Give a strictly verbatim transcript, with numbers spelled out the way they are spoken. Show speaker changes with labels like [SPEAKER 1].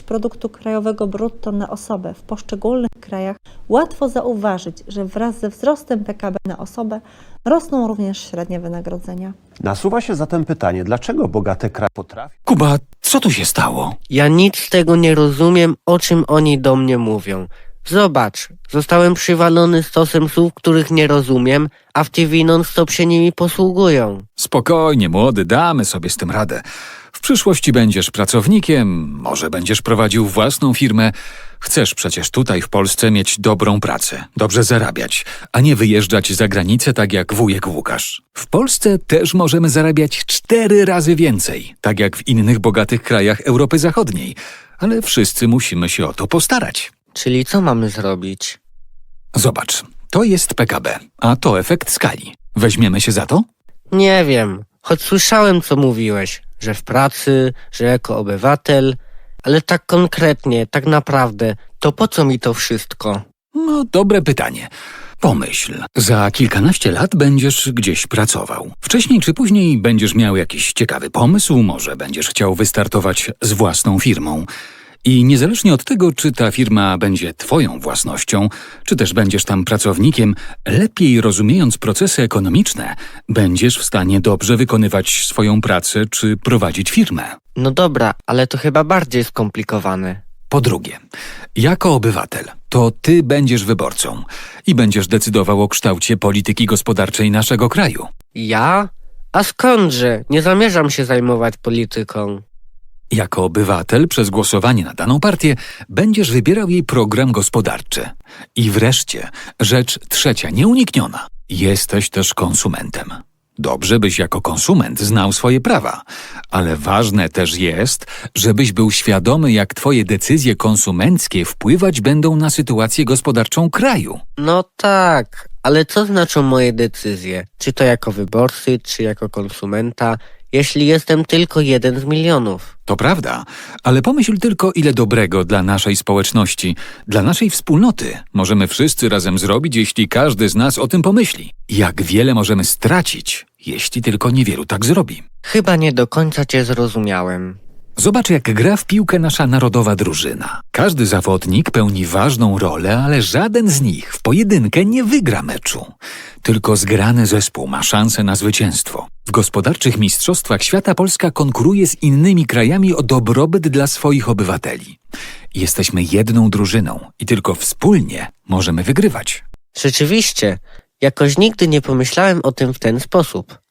[SPEAKER 1] produktu krajowego brutto na osobę w poszczególnych krajach, łatwo zauważyć, że wraz ze wzrostem P K B na osobę rosną również średnie wynagrodzenia.
[SPEAKER 2] Nasuwa się zatem pytanie, dlaczego bogate kraje potrafią...
[SPEAKER 3] Kuba, co tu się stało?
[SPEAKER 4] Ja nic z tego nie rozumiem, o czym oni do mnie mówią. Zobacz, zostałem przywalony stosem słów, których nie rozumiem, a w T V non-stop się nimi posługują.
[SPEAKER 3] Spokojnie, młody, damy sobie z tym radę. W przyszłości będziesz pracownikiem, może będziesz prowadził własną firmę. Chcesz przecież tutaj w Polsce mieć dobrą pracę, dobrze zarabiać, a nie wyjeżdżać za granicę tak jak wujek Łukasz. W Polsce też możemy zarabiać cztery razy więcej, tak jak w innych bogatych krajach Europy Zachodniej, ale wszyscy musimy się o to postarać.
[SPEAKER 4] Czyli co mamy zrobić?
[SPEAKER 3] Zobacz, to jest P K B, a to efekt skali. Weźmiemy się za to?
[SPEAKER 4] Nie wiem, choć słyszałem, co mówiłeś, że w pracy, że jako obywatel, ale tak konkretnie, tak naprawdę, to po co mi to wszystko?
[SPEAKER 3] No, dobre pytanie. Pomyśl, za kilkanaście lat będziesz gdzieś pracował. Wcześniej czy później będziesz miał jakiś ciekawy pomysł, może będziesz chciał wystartować z własną firmą. I niezależnie od tego, czy ta firma będzie twoją własnością, czy też będziesz tam pracownikiem, lepiej rozumiejąc procesy ekonomiczne, będziesz w stanie dobrze wykonywać swoją pracę czy prowadzić firmę.
[SPEAKER 4] No dobra, ale to chyba bardziej skomplikowane.
[SPEAKER 3] Po drugie, jako obywatel, to ty będziesz wyborcą i będziesz decydował o kształcie polityki gospodarczej naszego kraju.
[SPEAKER 4] Ja? A skądże? Nie zamierzam się zajmować polityką.
[SPEAKER 3] Jako obywatel przez głosowanie na daną partię będziesz wybierał jej program gospodarczy. I wreszcie, rzecz trzecia, nieunikniona. Jesteś też konsumentem. Dobrze, byś jako konsument znał swoje prawa, ale ważne też jest, żebyś był świadomy, jak twoje decyzje konsumenckie wpływać będą na sytuację gospodarczą kraju.
[SPEAKER 4] No tak, ale co znaczą moje decyzje? Czy to jako wyborcy, czy jako konsumenta, jeśli jestem tylko jeden z milionów?
[SPEAKER 3] To prawda, ale pomyśl tylko, ile dobrego dla naszej społeczności, dla naszej wspólnoty możemy wszyscy razem zrobić, jeśli każdy z nas o tym pomyśli. Jak wiele możemy stracić, jeśli tylko niewielu tak zrobi.
[SPEAKER 4] Chyba nie do końca cię zrozumiałem.
[SPEAKER 3] Zobacz, jak gra w piłkę nasza narodowa drużyna. Każdy zawodnik pełni ważną rolę, ale żaden z nich w pojedynkę nie wygra meczu. Tylko zgrany zespół ma szansę na zwycięstwo. W gospodarczych mistrzostwach świata Polska konkuruje z innymi krajami o dobrobyt dla swoich obywateli. Jesteśmy jedną drużyną i tylko wspólnie możemy wygrywać.
[SPEAKER 4] Rzeczywiście, jakoś nigdy nie pomyślałem o tym w ten sposób.